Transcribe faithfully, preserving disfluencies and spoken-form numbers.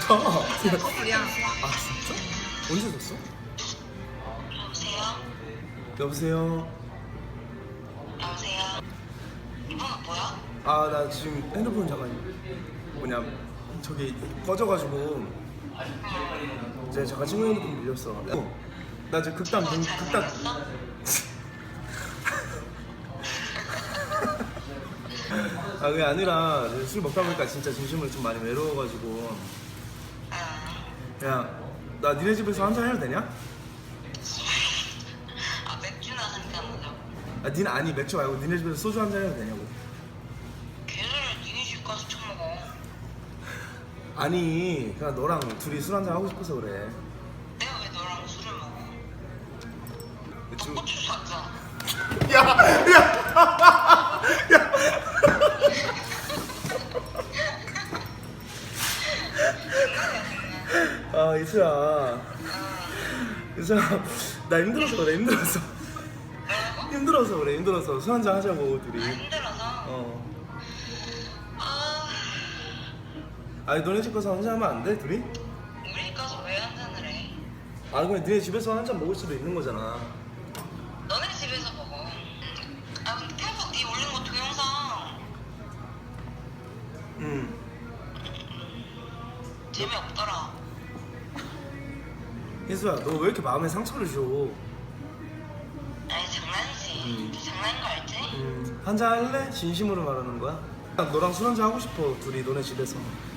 커플이야. 아 진짜? 언제 줬어? 여보세요? 여보세요? 여보세요? 이번호 뭐야? 아 나 지금 핸드폰 잠깐 뭐냐 저기 꺼져가지고 이제 잠깐 친구 핸드폰 빌렸어. 어, 나 지금 극단 어, 문 극단 잘생겼어? 아 그게 아니라 술 먹다 보니까 진짜 진심으로 좀 많이 외로워가지고 응. 야 나 니네 집에서 한잔 해도 되냐? 아 맥주나 한잔 하자고. 아 니네 아니 맥주 말고 니네 집에서 소주 한잔 해도 되냐고. 걔들은 니네 집 가서 처먹어. 아니 그냥 너랑 둘이 술 한잔 하고 싶어서 그래. 내가 왜 너랑 술을 먹어? 너 지금 고추 샀잖아. 아 이수야 이수야 나 힘들어서 그래 힘들어서 뭐라고? 힘들어서 그래 힘들어서 술 한잔 하자고 둘이. 아 힘들어서? 어 아 아니 너네 집 가서 한잔 하면 안 돼 둘이? 우리 가서 왜 한잔을 해? 아 그냥 니네 집에서 한잔 먹을 수도 있는 거잖아. 너네 집에서 먹어. 아 근데 태국 니 올린 거 동영상 응. 재미없더라. 희수야 너 왜 이렇게 마음에 상처를 줘? 아니 장난이지. 음. 장난인 거 알지? 음, 한잔 할래? 진심으로 말하는 거야? 난 너랑 술 한잔 하고 싶어 둘이 너네 집에서.